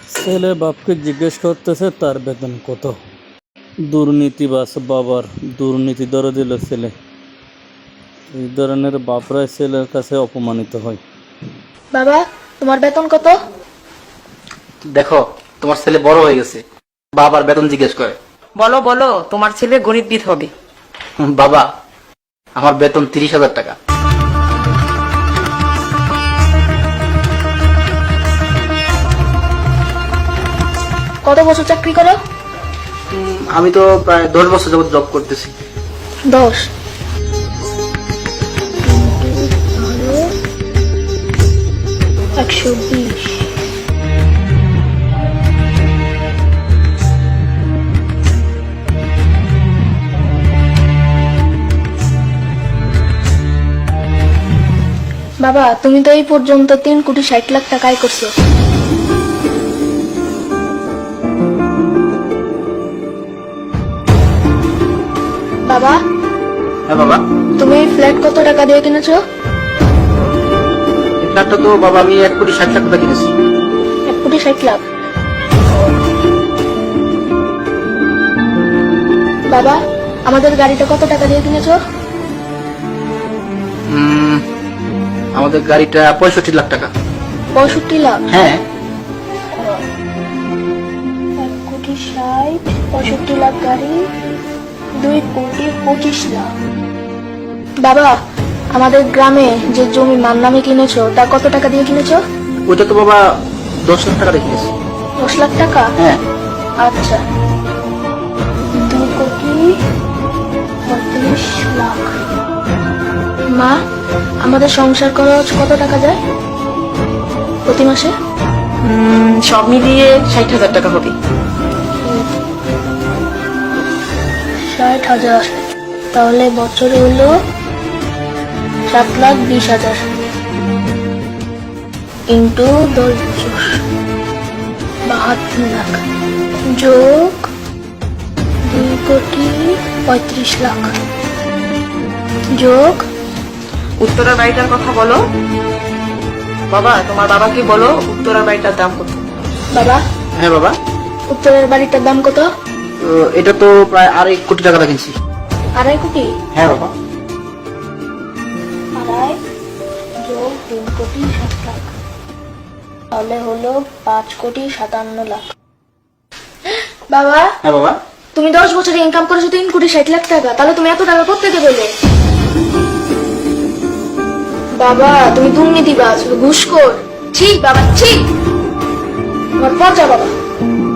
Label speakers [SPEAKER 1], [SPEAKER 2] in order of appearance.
[SPEAKER 1] ছেলে বাপকে জিজ্ঞেস করতেছে তার বেতন কত। দুর্নীতিবাজ বাবার দুর্নীতি ধরে দিল ছেলে। এই ধরনের বাপরাই ছেলের কাছে অপমানিত হয়।
[SPEAKER 2] বাবা, তোমার বেতন কত?
[SPEAKER 3] দেখো, তোমার ছেলে বড় হয়ে গেছে, বাবার বেতন জিজ্ঞেস করে।
[SPEAKER 4] বলো বলো, তোমার ছেলে গণিতবিদ হবে।
[SPEAKER 3] বাবা, আমার বেতন 30,000 টাকা।
[SPEAKER 2] কত বছর চাকরি করো?
[SPEAKER 3] আমি তো প্রায় 10 বছর যাবত জব করতেছি।
[SPEAKER 2] 10। 120। বাবা, তুমি তো এই পর্যন্ত 3,60,00,000 টাকা আয় করছো। বাবা,
[SPEAKER 3] হ্যাঁ বাবা,
[SPEAKER 2] তুমি এই ফ্ল্যাট কত টাকা দিয়ে কিনেছো?
[SPEAKER 3] এই ফ্ল্যাটটা তো বাবা আমি 1,60,00,000 টাকা কিনেছি।
[SPEAKER 2] 1,60,00,000। বাবা, আমাদের গাড়িটা কত টাকা দিয়ে কিনেছো?
[SPEAKER 3] আমাদের গাড়িটা 65 লাখ টাকা।
[SPEAKER 2] 65 লাখ?
[SPEAKER 3] হ্যাঁ।
[SPEAKER 2] 1,60,00,000, 65 লাখ গাড়ি, 2,25 লাখ। বাবা, আমাদের গ্রামে যে জমি মার নামে কিনেছো তা কত টাকা দিয়ে কিনেছো?
[SPEAKER 3] ওইটা তো বাবা 10 লাখ টাকা দিয়ে কিনেছি।
[SPEAKER 2] 10 লাখ টাকা?
[SPEAKER 3] হ্যাঁ।
[SPEAKER 2] আচ্ছা, 2,35 লাখ। মা, আমাদের সংসার খরচ কত টাকা যায় প্রতি মাসে?
[SPEAKER 4] সব মিলিয়ে 60,000 টাকা হবে।
[SPEAKER 2] 60,000। তাহলে বছরে হলো 7,20,000 ইন্টু 10 বছর 72 লাখ যোগ 2,35 লাখ যোগ
[SPEAKER 4] উত্তরার বাড়িটার কথা বলো। বাবা, তোমার বাবাকে বলো উত্তরার বাড়িটার দাম কত।
[SPEAKER 2] বাবা,
[SPEAKER 3] হ্যাঁ বাবা,
[SPEAKER 2] উত্তরের বাড়িটার দাম কত?
[SPEAKER 3] এটা তো প্রায় 2.5 কোটি টাকা দিয়ে কিনছি।
[SPEAKER 2] 2.5 কোটি?
[SPEAKER 3] হ্যাঁ বাবা।
[SPEAKER 2] 2.5 যোগ 3,60,00,000 তাহলে হলো 5,57,00,000। বাবা,
[SPEAKER 3] হ্যাঁ বাবা,
[SPEAKER 2] তুমি 10 বছরে ইনকাম করেছো 3,60,00,000 টাকা, তাহলে তুমি এত টাকা কোথা থেকে পেলে? বাবা, তুমি দুর্নীতিবাজ, ঘুষখোর। ঠিক বাবা, ঠিক। আমার পচা বাবা।